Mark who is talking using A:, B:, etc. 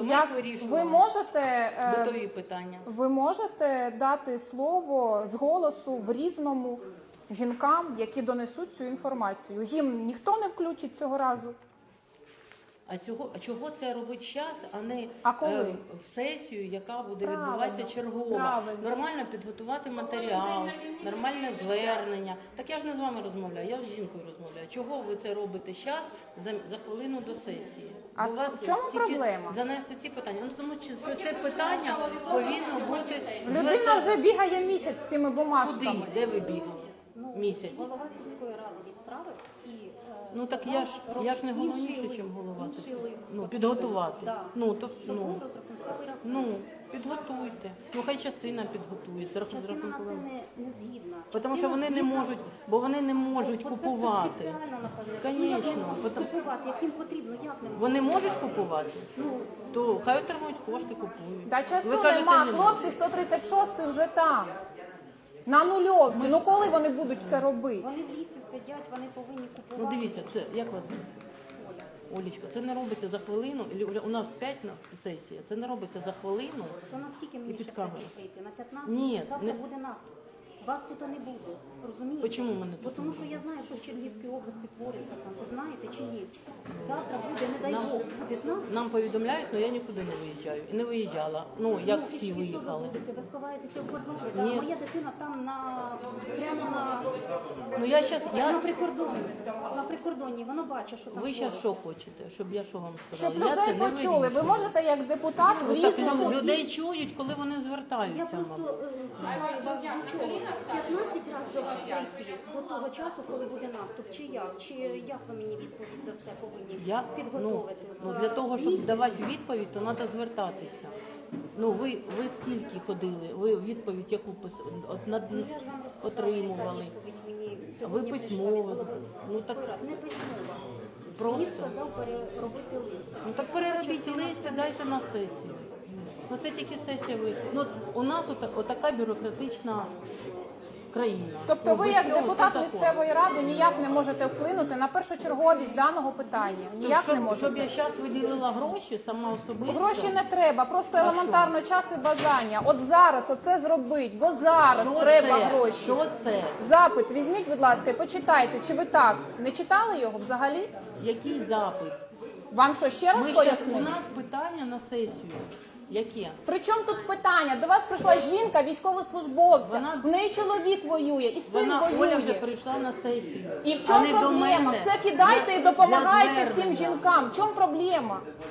A: то ми їх вирішуємо. Битові питання.
B: Ви можете дати слово з голосу в Різному жінкам, які донесуть цю інформацію? Гімн ніхто не включить цього разу?
A: А чого це робить час, а не в сесію, яка буде відбуватися чергова?
B: Правильно.
A: Нормально підготувати матеріал, нормальне звернення. Так я ж не з вами розмовляю, я з жінкою розмовляю. Чого ви це робите час за хвилину до сесії?
B: А
A: у вас
B: в чому проблема?
A: Занесли ці питання. Ну, тому що це питання повинно бути...
B: Людина вже бігає місяць з цими бумажками.
A: Куди? Де ви бігали? Місяць.
C: Голова сільської ради відправив і
A: ну так я ж не головніше, ніж голова. Ну, підготувати.
C: Да.
A: Підготуйте. Ну хай частина підготується.
C: Частина на це не згідна.
A: Тому що вони не можуть, купувати. Звісно.
C: Купувати, яким потрібно, як не можуть.
A: Вони можуть купувати? То хай отримують кошти, купують.
B: Та часу нема, хлопці 136 вже там. На нульовці. Ну коли вони будуть це робити?
C: Вони в лісі сидять, вони повинні купувати.
A: Ну дивіться, це як вас звуть? Олечка, це не робиться за хвилину, у нас 5 сесія, це не робиться за хвилину.
C: То наскільки мені ще сесії прийти? На 15?
A: Ні,
C: завтра буде наступ. Вас тут не буде, розумієте?
A: Чому мене тут?
C: Тому що я знаю, що в Чернігівській області твориться там, ви знаєте чи ні? Завтра буде, не дай Бог, буде наступ.
A: Нам повідомляють, але я нікуди не виїжджаю. І не виїжджала. Ну, як всі
C: і
A: виїхали.
C: Що ви робите? Ви сховаєтеся в подвір'ї?
A: Ні.
C: Моя дитина там прямо на...
A: Ну, я
C: На прикордоні. На прикордоні. Воно бачить, що там
A: Ви зараз що хочете? Щоб я що вам сказала?
B: Щоб людей почули. Ви можете як депутат в Різному...
A: Людей чують, коли вони звертаються.
C: Я просто питаю вас до чого? 15 разів до вас прийти до того часу, коли буде наступ, чи як? Чи як ви мені відповідь дасте, повинні підготовити?
A: Для того, щоб давати відповідь, то треба звертатися. Ну, ви скільки ходили? Ви відповідь яку отримували? Ви письмово? Ну, так...
C: Не письмово.
A: Просто?
C: Мені сказав переробити лист.
A: Ну, так переробіть лист і дайте на сесію. Ну, це тільки сесія ви. Ну, у нас отака бюрократична країна.
B: Тобто ви як депутат місцевої ради ніяк не можете вплинути на першочерговість даного питання? Ніяк не можете?
A: Щоб я зараз виділила гроші, сама особисто?
B: Гроші не треба, просто елементарно час і бажання. От зараз оце зробить, бо зараз треба гроші.
A: Що це?
B: Запит візьміть, будь ласка, і почитайте. Чи ви так? Не читали його взагалі?
A: Який запит?
B: Вам що, ще раз пояснити?
A: У нас питання на сесію. Яке?
B: Причому тут питання? До вас прийшла жінка, військовослужбовця, в неї чоловік воює, і син воює.
A: Оля вже прийшла на сесію.
B: І в чому проблема? Все кидайте і допомагайте цим жінкам. В чому проблема?